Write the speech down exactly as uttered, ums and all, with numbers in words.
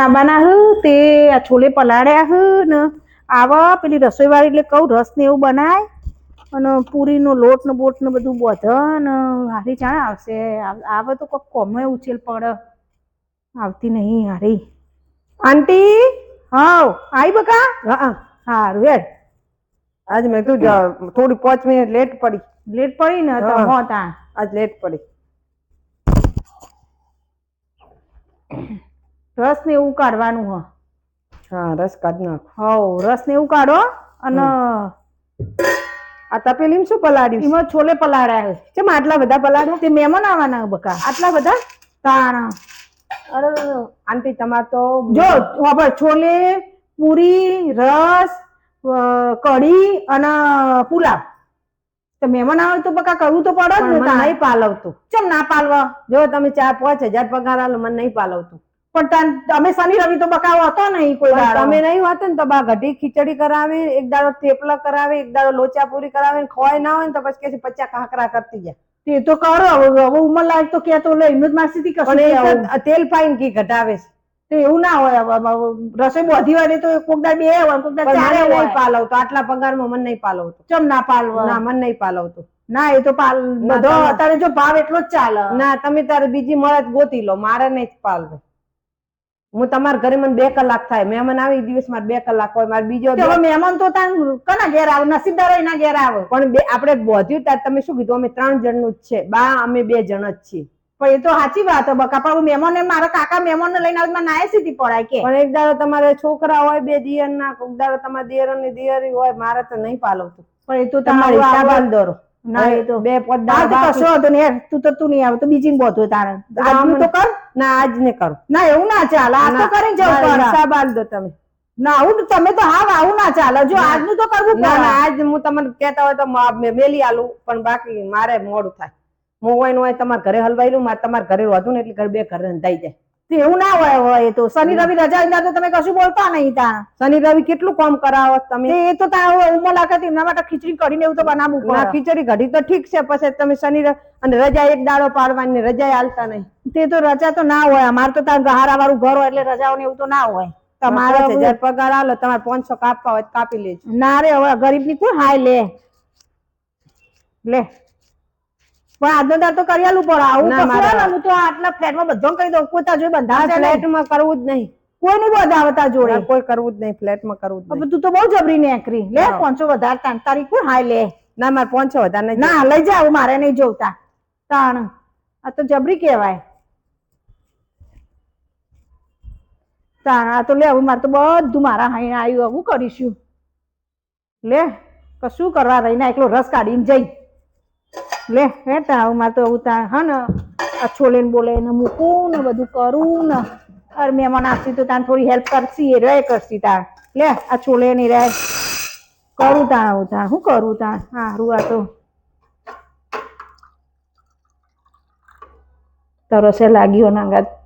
આવવાના હ તે આ છોલે પલાળ્યા હ ને આવા પેલી રસોઈવાળી એટલે કહું રસ ને એવું બનાય અને પૂરીનો લોટ ને બોટ ને બધું બધે ને હારી ચાણ આવશે આવે તો કોઈક કોમે ઉછેલ પડે આવતી નહીં હારી આંટી હાવ આઈ બકા હા હારું હેડ આજ મેં તું થોડી પાંચ મિનિટ લેટ પડી લેટ પડી ને તો હો તા આજ લેટ પડી રસ ને એવું કાઢવાનું હ હા રસ કાઢ નાખ હવ રસ ને એવું કાઢો અને આ તપેલીમાં શું પલાળ્યું એમાં છોલે પલાળ્યા છે કેમ આટલા બધા પલાળ્યા તે મહેમાન આવવાના બકા આટલા બધા તાણ અરે આંટી તમાર તો જો ખબર છોલે પૂરી રસ કઢી અને પુલાવ તો મહેમાન આવે તો બકા કરવું તો પડે જ ને નહીં પાલવતું ચમ ના પાલવા જો તમે ચાર પાંચ હજાર પગાર આલો મને નહીં પાલવતું પણ તમે શનિ રવિ તો બકાવો હતો નહીં કોઈ દાડો તમે નહીં હોતો ને તો બા ઘટી ખીચડી કરાવે એક દાડો થેપલા કરાવે એક દાડો લોચા પૂરી કરાવે ખોય ના હોય ને તો પછી કે પચાસ કાંકરા કરતી જાય તે તો કરો હવે ઉંમર લાયક તો કે તો લે એમ જ માસીથી કશું તેલ પાઈને ઘી ઘટાવે છે એવું ના હોય રસોઈ બધી હોય તો કોક દાડ બે હોય કોક દાડ ચારે હોય નહીં પાલવતો આટલા પગારમાં મને નહીં પાલવતો ચમ ના પાલવા ના મને નહીં પાલવતો ના એ તો પાલ બધો અત્યારે જો ભાવ એટલો જ ચાલે ના તમે તારે બીજી મળે ગોતી લો મારે નહીં પાલવે હું તમારા ઘરે મને બે કલાક થાય મહેમાન આવે એ દિવસ મારે બે કલાક હોય મારે બીજો મહેમાન તો તાર કના ઘેર આવે નસીબદાર એના ઘેર આવે પણ બે આપણે બોધ્યું ત્યારે તમે શું કીધું અમે ત્રણ જણનું જ છે બા અમે બે જણ જ છીએ પણ એ તો સાચી વાત બકા પણ મહેમાન મારા કાકા મહેમાન ને લઈને આવે નાય સીધી પડાય કે પણ એક દાડો તમારે છોકરા હોય બે દિયર ના એક દાડો તમારા દિયર ની દિયરી હોય મારે તો નહીં પાલવતું પણ એ તો તમારી હિસાબ દોરો ના એ તો બે પોતા કશો હતો ને તું તો તું નહીં આવે તો બીજી બોધો તારે આજનું તો કર ના આજ ને કરું ના એવું ના ચાલે આ તો કરી જવું હિસાબ આલ દો તમે ના આવું તમે તો હા આવું ના ચાલે જો આજનું તો કરવું ના ના આજ હું તમને કહેતા હોય તો મેલી આલું પણ બાકી મારે મોડું થાય હું હોય હોય તમારા ઘરે હલવાઈ લઉં મારે તમારા ઘરે વધુ ને એટલે ઘરે બે ઘરે રંધાઈ જાય એવું ના હોય હોય તો શનિ રવિ રજા હોય તો તમે કશું બોલતા નહીં ત્યાં શનિ રવિ કેટલું કામ કરાવો તમે એ તો ત્યાં ઉમર લાગે એમના માટે ખીચડી કરીને એવું તો બનાવવું પડે ખીચડી ઘડી તો ઠીક છે પછી તમે શનિ અને રજા એક દાડો પાડવાની રજા હાલતા નહીં તે તો રજા તો ના હોય અમારે તો ત્યાં ગહારા વાળું ઘર હોય એટલે રજાઓ ને એવું તો ના હોય તમારે હજાર પગાર આલો તમારે પાંચસો કાપવા હોય કાપી લેજો ના રે હવે ગરીબ ની કોણ હાય લે લે પણ આજનો દાર તો કરી આલું પડે આવું હું તો આટલા ફ્લેટમાં બધો કહી દઉં કોઈ તા જોઈ બંધા ફ્લેટમાં કરવું જ નહીં કોઈ નહીં બંધાવતા જોડે કોઈ કરવું જ નહીં ફ્લેટમાં કરવું જ નહીં તું તો બહુ જબરી નેકરી લે પાંચસો વધારે તાણ તારી કોણ હાય લે ના મારે પાંચસો વધારે નહીં ના લઈ જાવ મારે નહીં જોવતા તાણ આ તો જબરી કહેવાય તાણ આ તો લે હવે મારે તો બધું મારા હાઈ આવ્યું હવે કરીશું લે કશું કરવા રહીને એકલો રસ કાઢીને જઈ લે હે તા મારે તો એવું તા હા ને આ છોલે ને બોલે ને મૂકું ને બધું કરું ને અરે મહેમાન આવતી તો તાન થોડી હેલ્પ કરશી એ રહે કરશી તાર લે આ છોલે ની રહે કરું તા આવું તા શું કરું તા સારું આ તો તરસે લાગ્યો નાંગા